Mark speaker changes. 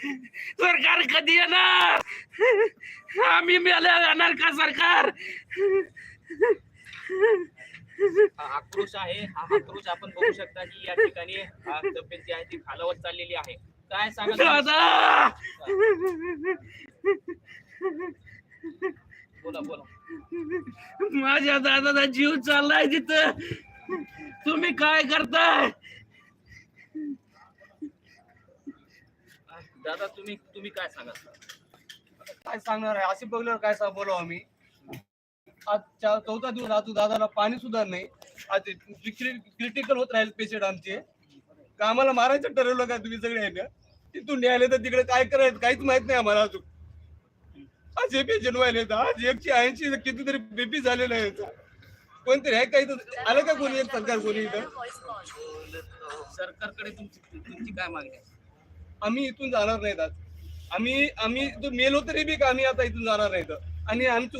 Speaker 1: सरकार कधी येणार? आम्ही मेल्या जाणार का सरकार?
Speaker 2: हा आक्रोश आहे. हा आक्रोश आपण बघू शकता की या ठिकाणी तब्येत जी आहे ती खालावत चाललेली आहे. काय सांगा
Speaker 1: दादा,
Speaker 2: बोला बोला.
Speaker 1: माझ्या दादाचा जीव चाललाय तिथं. तुम्ही काय करताय?
Speaker 2: दादा तुम्ही तुम्ही काय सांगा?
Speaker 3: काय सांगणार आहे? असे बघल्यावर काय बोलावं आम्ही? आज चौथा दिवस अजून दादाला पाणी सुद्धा नाही. आज क्रिटिकल होत राहील पेशंट आमचे. कामाला मारायचं ठरवलं का तुम्ही सगळे आहे ना? तिथून न्यायला तर तिकडे काय करायचं काहीच माहित नाही आम्हाला अजून. आज हे पेशंट व्हायला आज 180 कितीतरी बीपी झालेलं आहे. कोणतरी आहे काही आलं का कोणी एक सरकार कोणी इथं?
Speaker 2: सरकारकडे तुमची काय मागणी आहे?
Speaker 3: आम्ही इथून जाणार नाहीत आज. आम्ही इथून मेलो तरी बी का आम्ही आता इथून जाणार नाहीत आणि आमची